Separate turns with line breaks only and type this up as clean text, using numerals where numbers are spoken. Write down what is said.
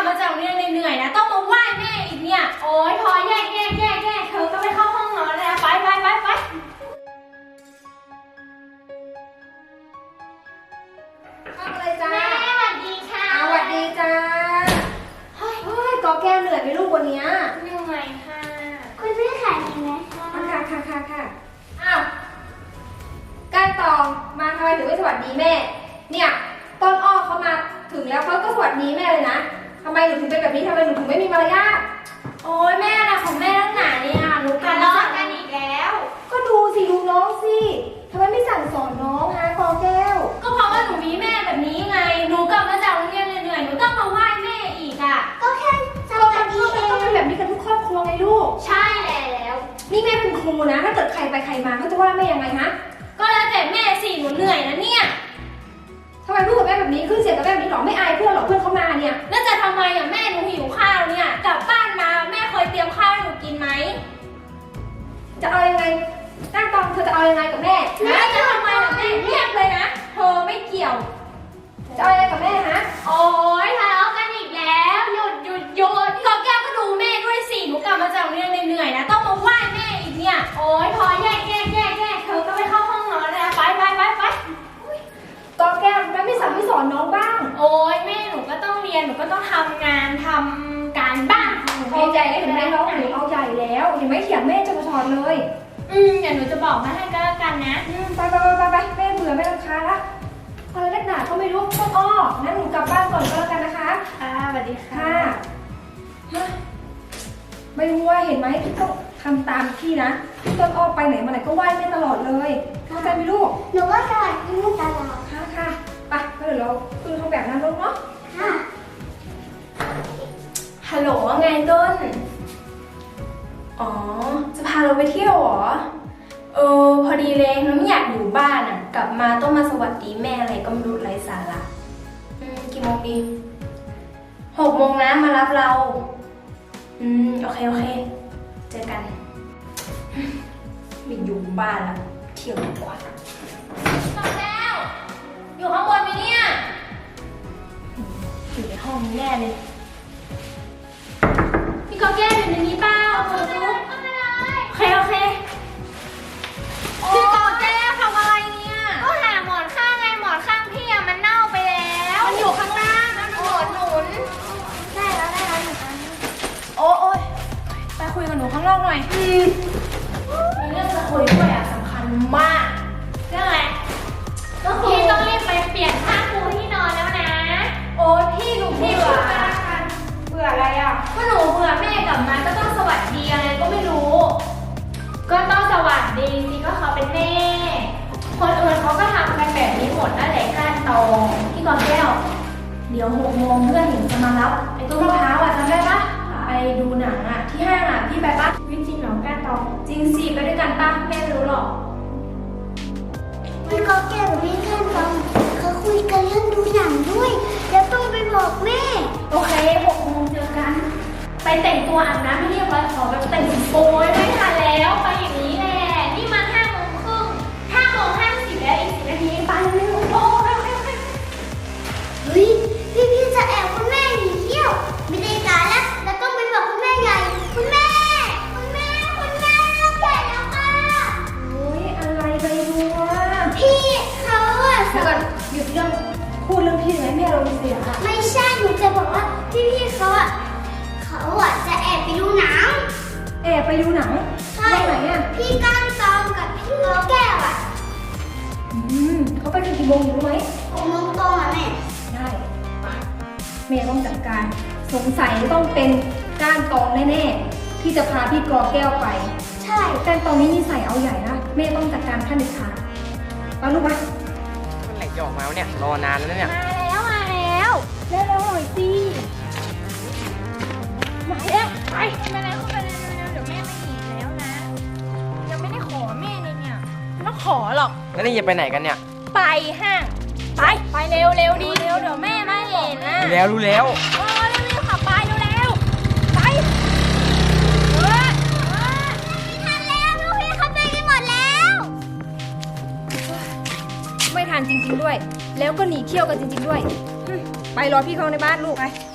บมาจากโรงเรียนเหนื่อยๆนะต้องมาไหว้แม่อีกเนี่ยโอ๊ยพอแยกเธอก็ไปเข้าห้องนอนเลยนะไป
ทำอะไรจ้า
แม่สวัสดีค่ะ
สวัสดีจ้าเฮ้ยกอแก้วเหนื่อยไหมลูกวันนี้
เหนื่อยค่ะ
คุณแม่ขายยังไงคะ
ค่ะอ้าวก้านตองมาทำไมถึงไม่สวัสดีแม่เนี่ยต้นอ้อเขามาถึงแล้วเขาก็สวัสดีแม่เลยนะทำไมหนูถึงเป็นแบบนี้ทำไมหนูถึงไม่มีมารยาท
โอ๊ยแม่นะของแม่ตั้งหนาเนี่ยหนูกันล้อกันอีกแล้ว
ก็ดูน้องสิทำไมไม่สั่งสอนน้องฮะกอแก้ว
ก็เพราะว่าหนูมีแม่แบบนี้ไงหนูกลับมาจากโรงเรียนเหนื่อยๆหนูต้องมาไหว้แม่อีกอ่ะ
ก็แค่สวัสดีเอง
ต้องเป็นแบบนี้กันทุกครอบครัวไงลูก
ใช่แล้ว
นี่แม่เป็นครูนะถ้าเกิดใครไปใครมาเขาจะว่าแม่ยังไงฮะ
ก็แล้วแต่แม่สิหนูเหนื่อยนะเนี่ย
ทำไมพูดกับแม่แบบนี้ขึ้นเสียงกับแม่แบบนี้หรอไม่อายเพื่อนหรอเพื่อนเขามาเนี่ย
แล้วจะทำไมอ่ะแม่หนูหิวข้าวเนี่ยกลับบ้านมาแม่เคยเตรียมข้าวให้หนูกินไหม
จะเอายังไงตั้งตองเธอจะเอายังไงกับแม่
แล้วจะทำไมล่ะแม่เรียกเลยนะเธอไม่เกี่ยว
จะเอายังไงกับแม่ฮะ
โอ๊ยทะเลาะกันอีกแล้วหยุดก็แก้วก็ดูแม่ด้วยสิหนูกลับมาจากโรงเรียนเหนื่อยๆนะต้องมาไหว้แม่อีกเนี่ยโอ๊ยพอแยกเธอก็ไปเข้าห้องนอนเลยนะไป
กอแก้วแม่ไม่สั่งไม่สอนน้องบ้าง
โอ๊ยแม่หนูก็ต้องเรียนหนูก็ต้องทำงานทำการบ้าน
เอาใหญ่เลยเห็นไหมน้องหนูเอาใหญ่แล้วเห็นไหมเถียงแม่จะมาสอนเลย
เดี๋ยวหนูจะบอกมาให้ก็แล้วกันนะ
ไปแม่เบื่อแม่รำคาญละอะไรนักหนาก็ไม่รู้ต้นอ้องั้นหนูกลับบ้านก่อนก็แล้วกันนะคะ
สวัสดีค่ะ
ไม่รู้ว่าเห็นไหมต้องทำตามพี่นะพี่ต้นอ้อไปไหนมาไหนก็ไหว้แม่ตลอดเลยเข้าใจไหมลูก
หนูก็สวัสดีลูกตลอด
ค่ะไปเดี๋ยวเราคือทำแบบนั้นลูกเนาะ
ค่ะ
ฮัลโหลว่าไงต้นอ๋อจะพาเราไปเที่ยวเหรอพอดีเลยเราไม่อยากอยู่บ้านอ่ะกลับมาต้องมาสวัสดีแม่อะไรก็ไม่รู้ไร้สาระกี่โมงดี6 โมงนะมารับเราโอเคเจอกันไม่อยู่บ้านละเที่ยวดีกว่าน้องแก้วอยู่ข้างบนไหมเนี่ยอยู่ในห้องนี้แน่เลยพี่กอแก้วอยู่ในนี้เปล่าเข้าไปเลยโอเคพี่กอแก้วทำอะไรเนี่ยก็หาหมอนข้างไงหมอนข้างพี่อะมันเน่าไปแล้วมันอยู่ข้างล่างนะมันหนุน
ได้แล้วหนูกัน
โอ๊ยไปคุยกับหนูข้างนอกหน่อยมีเรื่องจะคุยด้วยอะสำคัญมากเรื่องอะไรพี่ต้องรีบไปเปลี่ยนผ้าปูที่นอนแล้วนะโอ๊ยพี่หนูเบื่อ
อะไรอ่ะ
ก็หนูเบื่อแม่กลับมาก็ต้องสวัสดีอะไรก็ไม่รู้ก็ต้องสวัสดีสิก็เขาเป็นแม่คนอื่นเขาก็ทำกันแบบนี้หมดนั่นแหละก้านตองพี่กอแก้วเดี๋ยว6 โมงเพื่อนหนูจะมารับไอ้ต้นมะพร้าวอ่ะจำได้ปะไปดูหนังอ่ะที่ห้างอ่ะพี่ไปปะจริงเหรอก้านตองจริงสิไปด้วยกันปะแม่ไม่รู้หรอก
พี่ก็แก้วพี่ขั้นตอนเขาคุยกันเรื่องดูหนังด้วยแล้วต้องไปบอกแม่
โอเค6 โมงเจอกันไปแต่งตัวอาบน้ำให้เรียบร้อยขอแบบแต่งโป๊ยไม่ทันแล้วไปอย่างนี้แหละนี่มัน5 โมงครึ่ง5 โมง 50แล้วอีก10 นาทีไปเร็วโอ้
เฮ้ยพี่จะแอบคุณแม่หนีเที่ยวไม่ได้การแล้วต้องไปบอกคุณแม่ใหญ่คุณแม่เราแก่แล้วค่ะ
โอ้ยอะไรไปดูวะ
พี่เขาอะ
เดี๋ยวก่อนหยุดเรื่องพูดเรื่องพี่ไหมแม่เราเสียค่ะ
ไม่ใช่หนูจะบอกว่าพี่เขาอะจะแอบไปดูหนัง
แอบไปดูหนัง
ใช่
ไหนอ่ะ
พี่ก้านตองกับพี่กอแก้วอะ
เขาไปถึงกี่โมงรู้ไหม
6 โมงตรงอะแม่
ได้แม่ต้องจัดการสงสัยต้องเป็นก้านตองแน่ๆที่จะพาพี่กอแก้วไป
ใช่
ก้านตองนี้นิสัยเอาใหญ่นะแม่ต้องจัดการขั้นเด็ดขาดไปลูกมา
เมื่อไหร่จะออกมาเนี่ยรอนานแล้วเนี่ย
มาแล้วเร็วหน่อยสิมาแล้วไปแล้วเข้าไปเร็วเดี๋ยวแม่ไม่หนีแล้วนะยังไม่ได้ขอแม่เลยเนี่ยไม่ต้องขอหรอก
แล้วนี่จะไปไหนกันเนี่ย
ไปห้างไปเร็วดีเดี๋ยวแม่ไม่เห็นนะ
รู้แล้ว
เร็วขับไปเร็วไป
ทันแล้วลูกพี่เขาไปกันหมดแล้ว
ไม่ทันจริงๆด้วยแล้วก็หนีเที่ยวกันจริงๆด้วยไปรอพี่เขาในบ้านลูกไป